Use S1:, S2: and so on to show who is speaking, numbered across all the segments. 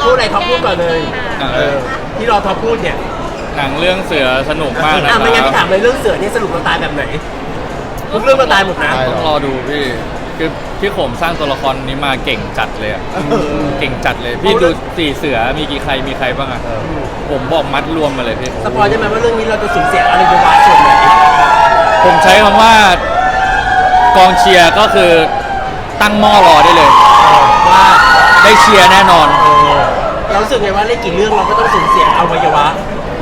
S1: พูดอะไรท็อปพูดก่อนเลยที่รอท็อปพูดเนี่ย
S2: หนังเรื่องเสือสนุกมากนะครับ
S1: ไม่งั้นพี่ถามเลยเรื่องเสือเนี่ยสรุปเราตายแบบไหนทุกเรื่องเราตายหมดนะ
S2: ต้องรอดูพี่คือพี่ผมสร้างตัวละครนี้มาเก่งจัดเลยอะเก่งจัดเลยพี่ดูสี่เสือมีกี่ใครมีใครบ้างอะผมบอกมัดรวมมาเลยพี่
S1: สปอยได้ไหมว่าเรื่องนี้เราจะสูญเสียอะไรไปบ้างส่วนไหน
S2: ผมใช้คำว่ากองเชียร์ก็คือตั้งหม้อรอได้เลยว่าได้เชียร์แน่นอน
S1: เรารู้สึกไงว่าเล่นกี่เรื่องเราก็ต้องสูญเสียอวัยวะ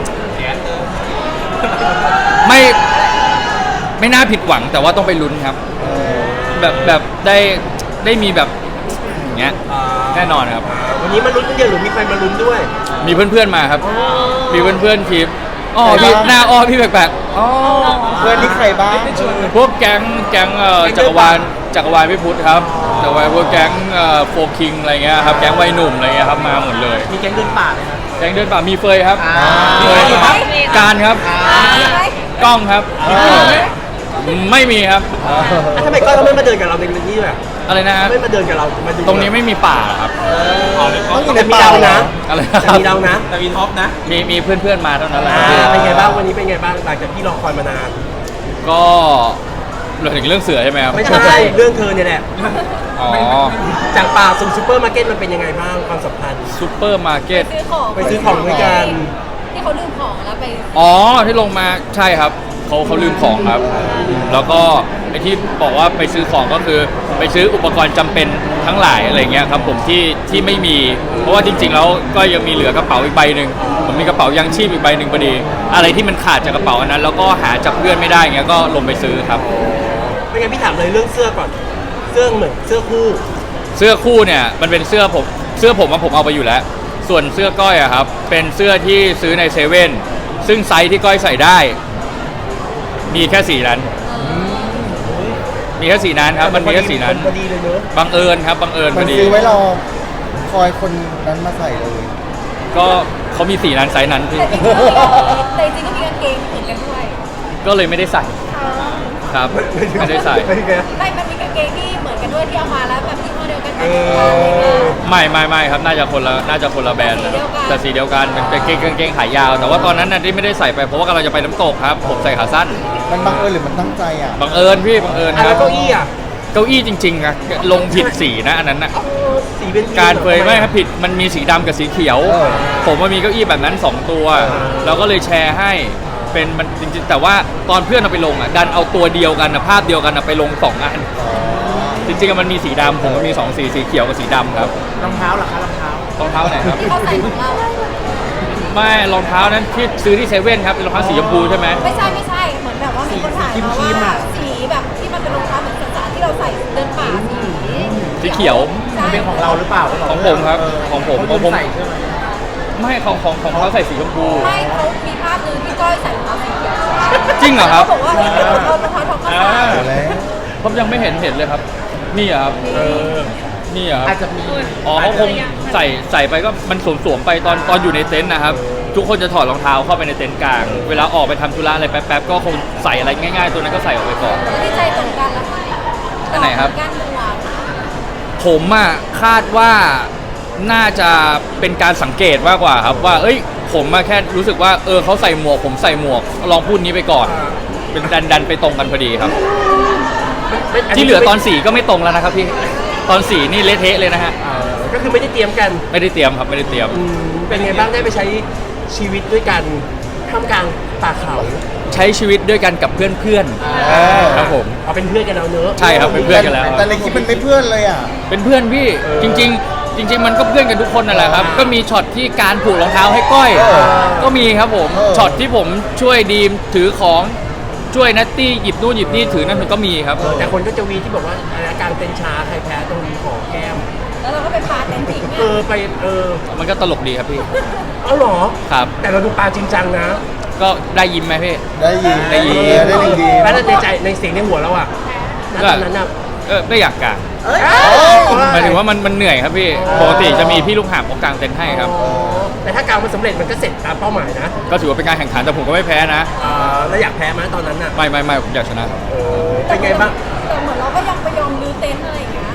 S2: ไม่น่าผิดหวังแต่ว่าต้องไปลุ้นครับแบบได้มีแบบอย่างเงี้ยแน่นอนครับ
S1: วันนี้มาลุ้นกันเดียวหรือมีใครมาลุ้นด้วย
S2: มีเพื่อนๆมาครับมีเพื่อนๆทีมพี่หน้าพี่แปลก
S3: เพื่อนที่ใครบ้าง
S2: พวกแก๊งจักรวาลพี่พุทธครับจักรวาลพวกแก๊งโฟคิงอะไรเงี้ยครับแก๊งวัยหนุ่มอะไรเงี้ยครับมาหมดเลย
S1: มีแก๊งเดินป่าเลยครับ
S2: แก๊งเดินป่ามีเฟยครับมีเฟยครับการครับกล้องครับไม่มีครับ
S1: ทำไมก็ไม่มาเดินกับเราในนี้ด้วย
S2: อะไรนะ
S1: ไม่มาเดินกับเรา
S2: ตรงนี้ไม่มีป่าครับ
S1: ต้องอยู่ในป่านะ
S2: อะไร
S1: มีเรานะ
S3: แต่มีท็อปนะ
S2: มีเพื่อนๆมาเท่านั้นแหละ
S1: เป็นไงบ้างวันนี้เป็นไงบ้างหลังจากที่รอคอยมานาน
S2: ก็เราถึงเรื่องเสือใช่ไหมครับ
S1: ไม่ใช่เรื่องเธอเนี่ยแหละจากป่าสู่ซูเปอร์มาร์เก็ตมันเป็นยังไงบ้างความสัมพันธ์
S2: ซูเปอร์มาร์เก็ต
S1: ไปซื้อของด้วยกัน
S4: ที่เขาลืมของแล้วไป
S2: ที่ลงมาใช่ครับเขาลืมของครับแล้วก็ไอที่บอกว่าไปซื้อของก็คือไปซื้ออุปกรณ์จำเป็นทั้งหลายอะไรเงี้ยครับผมที่ไม่มีเพราะว่าจริงๆแล้วก็ยังมีเหลือกระเป๋าอีกใบหนึ่งผมมีกระเป๋ายังชีพอีกใบหนึ่งพอดีอะไรที่มันขาดจากกระเป๋าอันนั้นแล้วก็หาจากเพื่อนไม่ได้เงี้ยก็ลงไปซื้อครับ
S1: ไม่งั้นพี่ถามเลยเรื่องเสื้อก่อนเสื้อเหมือนเสื้อคู่
S2: เนี่ยมันเป็นเสื้อผมว่าผมเอาไปอยู่แล้วส่วนเสื้อก้อยอะครับเป็นเสื้อที่ซื้อในเซเว่นซึ่งไซส์ที่ก้อยใส่ได้มีแค่สีนั้นมีแค่สีนั้นครับมันมีแค่สีนั้นบังเอิญครับบังเอิญพอดี
S3: ซื้อไว้รอคอยคนนั้นมาใส่เลย
S2: ก็เขามีสีนั้นไซส์นั้นพี่
S4: แต่จริงก็มีกางเกงเหมือนกันด้วย
S2: ก็เลยไม่ได้ใส่ครับไม่ได้ใส่
S4: มันมีกางเกงที่เหมือนกันด้วยที่เอามาแล้วแบบยี่ห้อเดียวกัน
S2: ไม่ครับน่าจะคนละแบรนด์แต่สีเดียวกันเป็นกางเกงขายาวแต่ว่าตอนนั้นที่ไม่ได้ใส่ไปเพราะว่ากำลังจะไปน้ำตกครับผมใส่ขาสั้น
S3: มันบังเอิญหรือมันตั้งใจ
S2: บังเอิญพี่บังเอิญครับ
S1: เก้าอี้
S2: จริงๆอะลงผิดสีนะอันนั้นนะ
S1: สีเป็น
S2: การเฟยไม่ครับผิดมันมีสีดำกับสีเขียวผมว่ามีเก้าอี้แบบนั้น2ตัวเราก็เลยแชร์ให้เป็นมันจริงๆแต่ว่าตอนเพื่อนเอาไปลงอ่ะดันเอาตัวเดียวกันภาพเดียวกันไปลง2อันจริงๆมันมีสีดำผมก็มี2สีเขียวกับสีดำครับ
S1: รองเท้าเหรอคะรองเท้า
S2: ไหนครับ
S4: ที่เขาใส่ของเรา
S2: ไม่รองเท้านั้นที่ซื้อที่เซเว่นครับเป็นรองเท้าสีชมพูใช่ไหม
S4: ไม่ใช่เหมือนแบบว่ามีคนถ่ายมาว่าสีแบบที่มันเป็นรองเท้าเหมือนจ๋าที่เราใส่เดินป่า
S2: สีเขียว
S1: เป็นของเราหรือเปล่า
S2: ของผมครับของผมใส่ใช่ไหมไม่ของเขาใส่สีชมพู
S4: ไม่เขามีภาพนึงที่ก้อยใส่รองเท้าสีเขียว
S2: จริงเหรอครับ
S4: เขาบอกว่านี่เป็นรองเท้าทองคำ
S2: ผมยังไม่เห็นเลยครับนี่ครับนี่ครับ
S1: อาจจะมี
S2: เขาคงใส่ไปก็มันสวมไปตอนอยู่ในเต็นท์นะครับทุกคนจะถอดรองเท้าเข้าไปในเต็นท์กลางเวลาออกไปทำธุระอะไรแป๊บๆก็คงใส่อะไรง่ายๆตัวนั้นก็ใส่ออกไปก่อน
S4: ที่ใจตรงกันแล้ว
S2: อันไหนครับผมคาดว่าน่าจะเป็นการสังเกตมากกว่าครับว่าผมแค่รู้สึกว่าเขาใส่หมวกผมใส่หมวกลองพูดนี้ไปก่อนเป็นดันไปตรงกันพอดีครับที่เหลือตอน4ก็ไม่ตรงแล้วนะครับพี่ตอน4นี่เละเทะเลยนะฮะ
S1: ก็คือไม่ได้เตรียมกัน
S2: ไม่ได้เตรียมครับไม่ได้เตรียม
S1: เป็นไงบ้างได้ไปใช้ชีวิตด้วยกันท่ามกลางป่าเขา
S2: ใช้ชีวิตด้วยกันกับเพื่อนครับผม
S1: เอาเป็นเพื่อนกันแล้วเนอะ
S2: ใช่ครับเป็นเพื่อนกันแล้ว
S3: แต่ในคลิปมันไม่เพื่อนเลย
S2: เป็นเพื่อนพี่จริงมันก็เพื่อนกันทุกคนนั่นแหละครับก็มีช็อตที่การผูกรองเท้าให้ก้อยก็มีครับผมช็อตที่ผมช่วยดีมถือของช่วยนัตตี้หยิบนู่นหยิบนี่ถือนั่นมันก็มีครับ
S1: แต่คนก็จะวีที่บอกว่าอาการเต้นช้าใครแพ้ตรงนี้ของแก้ม
S4: แล้วเราก็ไปปาเต้นจริง
S1: ไป
S2: มันก็ตลกดีครับพี่
S1: หรอ
S2: ครับ
S1: แต่เราดูปาจริงจังนะ
S2: ก็ได้ยิ้มไหมพี่
S3: ได้ยิ้ม
S1: แล้วในใจในเสียงในหัวเราตอนนั้น
S2: ไม่อยากกางหมายถึงว่ามันเหนื่อยครับพี่ปกติจะมีพี่ลูกหาบเขากางเต็นท์ให้ครับ
S1: แต่ถ้ากางมันสำเร็จมันก็เสร็จตามเป้าหมายนะ
S2: ก็ถือว่าเป็นการแข่งขันแต่ผมก็ไม่แพ้นะ
S1: แล้วอยากแพ้ไหมตอนนั้นน่ะ
S2: ไม่ผมอยากชนะ
S1: เป็นไงบ้าง
S4: แต่เหมือนเราก็ยังไปยอมรื้อเต็นท์อะไรอย่างเงี้ย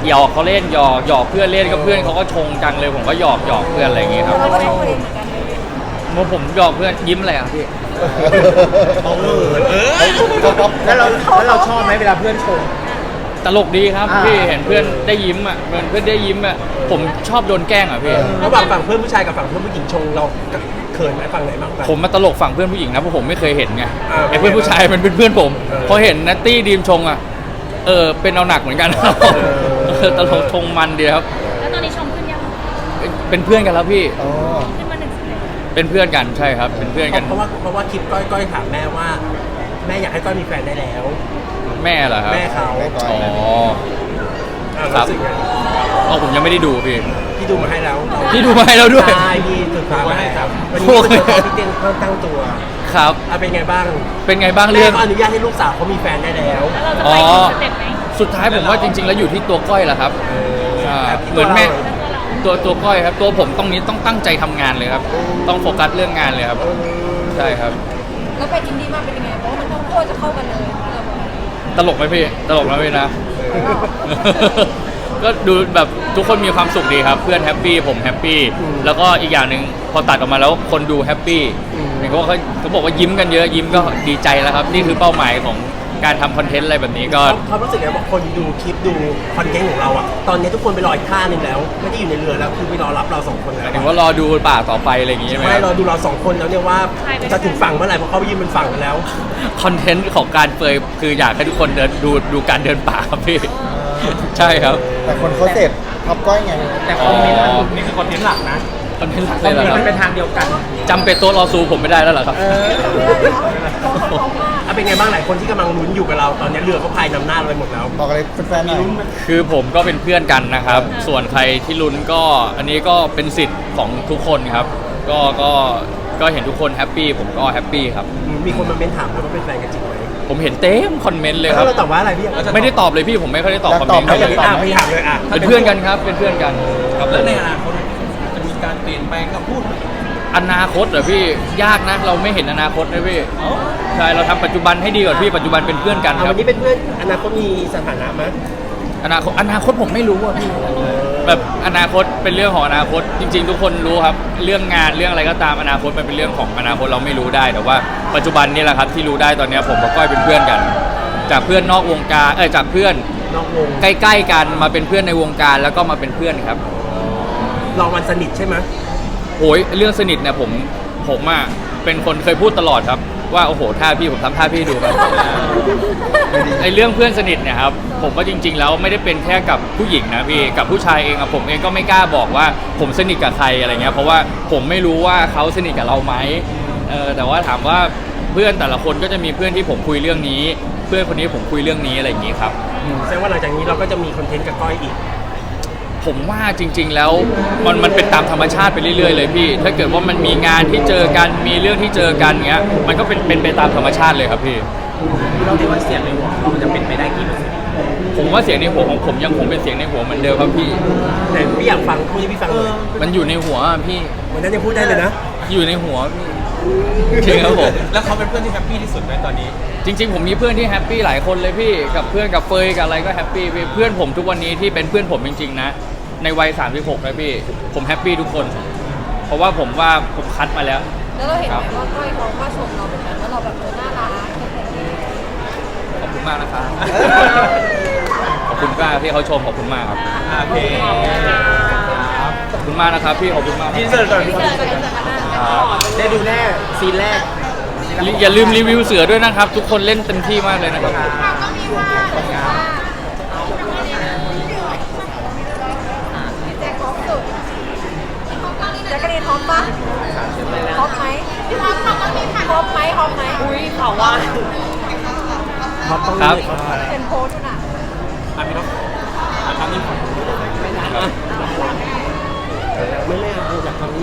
S2: หยอกเขาเล่นหยอกเพื่อนเล่นก็เพื่อนเขาก็ชงจังเลยผมก็หยอกเพื่อนอะไรอย่างเงี้ยครับ
S4: เราก็ชอบประเด็นเหมือนกันเลย
S2: เมื่อผมหยอกเพื่อนยิ้มอะไรอ่ะพี่
S3: แล้วเราชอบไหมเวลาเพื่อนชม
S2: ตลกดีครับ
S3: อ่า
S2: พี่เห็นเพื่อนได้ยิ้มอ่ะเพื่อนได้ยิ้มอ่ะผมชอบโดนแกล้งอ่ะพี่
S1: ระหว่างฝั่งเพื่อนผู้ชายกับฝั่งเพื่อนผู้หญิงชงเราเขินไหมฝั่งไหนบ้างกัน
S2: ผมมาตลกฝั่งเพื่อนผู้หญิงนะเพราะผมไม่เคยเห็นไง
S1: อ่า
S2: ไอ้เพื่อนผู้ชายมันเป็นเพื่อนผมพอเห็นนัตตี้ดีมชงอ่ะเป็นเอาหนักเหมือนกันตลกชงมันดีครับ
S5: แล้วตอนนี้ชมขึ้นยัง
S2: เป็นเพื่อนกันแล้วพี่
S3: อ๋อ
S5: ขึ้นมา1 สเต็ป
S2: เป็นเพื่อนกันใช่ครับ เป็นเพื่อนกัน
S1: เพราะว่าคลิปก้อยถามแม่ว่า แม่อยากให้ก้อยมีแฟนได้แล้ว
S2: แม่เหรอครับ
S1: แม่เขา
S3: แม่ก้อย
S2: อ๋อ
S1: รู้สึกไง
S2: ผมยังไม่ได้ดูพี่
S1: พี่ดูมาให้แล้ว
S2: พี่ดูมาให้แล้วด้วย
S1: ใช่พี่ศึกษามาให้ครับวันนี้
S2: โอเค
S1: พี่เต้นเพิ่มตั้งตัว
S2: ครับ
S1: เป็นไงบ้าง
S2: เป็นไงบ้าง
S1: แม่
S2: เรื่อง
S1: ก็อนุญาตให้ลูกสาวเขามีแฟนได้แล้ว
S5: แล้วเราจะไปถึงสเต็ปไหน
S2: สุดท้ายผมว่าจริง ๆ แล้วอยู่ที่ตัวก้อยแหละครับเหมือนแม่ตัวก้อยครับ ตัวผมต้องตั้งใจทำงานเลยครับ ต้องโฟกัสเรื่องงานเลยครับ ใช่ครับ
S4: แล้วไปอินดี้มาเป็นยังไงเพราะว่ามันต้องโคตรจะเข้ากันเลย
S2: ตลกไหมพี่ ตลกนะพี่นะ ก็ดูแบบทุกคนมีความสุขดีครับ เพื่อนแฮปปี้ผมแฮปปี้แล้วก็อีกอย่างหนึ่งพอตัดออกมาแล้วคนดูแฮปปี้เห็นเขาบอกว่ายิ้มกันเยอะยิ้มก็ดีใจแล้วครับนี่คือเป้าหมายของการทำคอนเทนต์อะไรแบบนี้ก็
S1: เขารู้สึกไงว่าคนดูคลิปดูคอนเทนต์ของเราอะตอนนี้ทุกคนไปรออีกท่าหนึงแล้ว ไม่ได้อยู่ในเรือแล้วคือไปรอรับเราสองคนแล้ว
S2: ถึงว่ารอดูป่าต่อไปอะไรอย่างงี้ใช่ไหม
S1: ไม่รอดูเราสองคนแล้วเนี่ยว่าจะถึงฝั่งเมื่อไหร่เพราะเขาไปยืนบนฝั่งกันแล้ว
S2: คอนเทนต์ของการเปยคืออยากให้ทุกคนดูการเดินป่าครับพี่ ใช่ครับ
S3: แต่คนเขาเสพท็อปก้อยไง
S1: แต่คอมเมนต์นี่คือคอนเทนต์หลักนะ
S2: คอนเทนต์หลักเลยเหรอครับ
S1: เป็นทางเดียวกัน
S2: จำเป็นโต๊ะรอซูผมไม่ได้แล้วเหรอครับ
S1: เป็นไงบ้างหลายคนที่กำลังลุ้นอยู่กับเราตอนนี้เรือเขาพายนำหน้าเราไปหมดแล้ว
S3: บอกอะไรแฟนๆหน่อย
S2: คือผมก็เป็นเพื่อนกันนะครับ ส่วนใครที่ลุ้นก็อันนี้ก็เป็นสิทธิ์ของทุกคนครับ ก็เห็นทุกคนแฮปปี้ผมก็แฮปปี้ครับ
S1: มีคนมาเม้นถามเราว่าเป็นแฟนกันจริงไหม
S2: ผมเห็นเต็มคอมเมนต์เลยค
S1: แล้
S2: รับ
S1: วเราตอบว่าอะไรพี่
S2: ไม่ได้ตอบเลยพี่ผมไม่ค่อยได้ตอบคอมเมนต์
S3: อยากตอบไหม
S1: ไม่ถามเลยอ่ะ
S2: เป็นเพื่อนกันครับเป็นเพื่อนกันครับผม
S1: ในอนาคตจะมีการเปลี่ยนแปลงคำพูด
S2: อนาคตเหรอพี่ยากนะเราไม่เห็นอนาคตนะพี่ใช่เราทำปัจจุบันให้ดีก่อนพี่ปัจจุบันเป็นเพื่อนกันค
S1: วั
S2: รับ
S1: นนี้เป็นเพื่อนอนาคตมีสถานะไหม
S2: อนาคตผมไม่รู้อ่ะพี่แบบอนาคตเป็นเรื่องของอนาคตจริง ๆ ทุกคนรู้ครับเรื่องงานเรื่องอะไรก็ตามอนาคตมันเป็นเรื่องของอนาคตเราไม่รู้ได้แต่ว่าปัจจุบันนี่แหละครับที่รู้ได้ตอนนี้ผมกับก้อยเป็นเพื่อนกัน จากเพื่อนนอกวงการจากเพื่อน
S1: นอกวง
S2: ใกล้ๆกันมาเป็นเพื่อนในวงการแล้วก็มาเป็นเพื่อนครับ
S1: เรามันสนิทใช่ไหม
S2: โอ้ยเรื่องสนิทเนี่ยผมอ่ะเป็นคนเคยพูดตลอดครับว่าโอ้โหท่าพี่ผมทำท่าพี่ดูครับ ไอเรื่องเพื่อนสนิทเนี่ยครับผมว่าจริง ๆ แล้วไม่ได้เป็นแค่กับผู้หญิงนะพี่กับผู้ชายเองอะผมเองก็ไม่กล้าบอกว่าผมสนิทกับใครอะไรเงี้ยเพราะว่าผมไม่รู้ว่าเขาสนิทกับเราไหมแต่ว่าถามว่าเพื่อนแต่ละคนก็จะมีเพื่อนที่ผมคุยเรื่องนี้ เพื่อนคนนี้ผมคุยเรื่องนี้อะไรอย่างงี้ครับ
S1: แสดงว่าหลังจากนี้เราก็จะมีคอนเทนต์กับก้อยอีก
S2: ผมว่าจริง ๆ แล้วมันเป็นตามธรรมชาติไปเรื่อยๆเลยพี่ถ้าเกิดว่ามันมีงานที่เจอกันมีเรื่องที่เจอกันเงี้ยมันก็เป็นไปตามธรรมชาติเลยครับพี่
S1: เราคิดว่าเสียงในหัวเราจะเป็นไปได้กี่เปอร์เซ็นต์
S2: ผมว่าเสียงในหัวของผมยังคงเป็นเสียงในหัวเหมือนเดิมครับพี่
S1: แต่พี่อยากฟังพูดให้พี่ฟังเลย
S2: มันอยู่ในหัวอะพี่
S1: วันนั้นยังพูดได้เลยนะ
S2: อยู่ในหัวพี่จริงครับผม
S1: แล้วเขาเป็นเพื่อนที่แฮปปี้ที่สุดไหมตอนนี้
S2: จริง ๆ ผมมีเพื่อนที่แฮปปี้หลายคนเลยพี่กับเพื่อนกับเฟยกับอะไรก็แฮปปี้พี่เพื่อนผมทุกวันนี้ที่เป็นเพื่อนผมจริงๆนะในวัย36นะพี่ผมแฮปปี้ทุกคน เพราะว่าผมคัดมาแล้ว
S4: แล้วเราเห็นไหมว่าก้อยเขาก็ชมเราเหมือนกันว่าเราแบบน่ารัก
S2: ขอบคุณมากนะครับ ขอบคุณมากที่เขาชมขอบคุณมากครับ
S1: โอเค
S2: ขอบคุณมากนะครับพี่ขอบคุณมาก
S1: ยินเสิร์ตก่อน ได้ดูแน่ซีนแรก
S2: อย่าลืมรีวิวเสือด้วยนะครับ ทุกคนเล่นเต็มที่มากเลยนะครับ
S4: แจ็คท็อปสุดแจ็คกะรีนท็อปปะท็อปไหมท็อปไหมท็อปไหมอุ้ยเขาว่า
S2: ครับ
S4: เป็นโพสต์น่ะ
S1: ไม่เล่นอยากทำ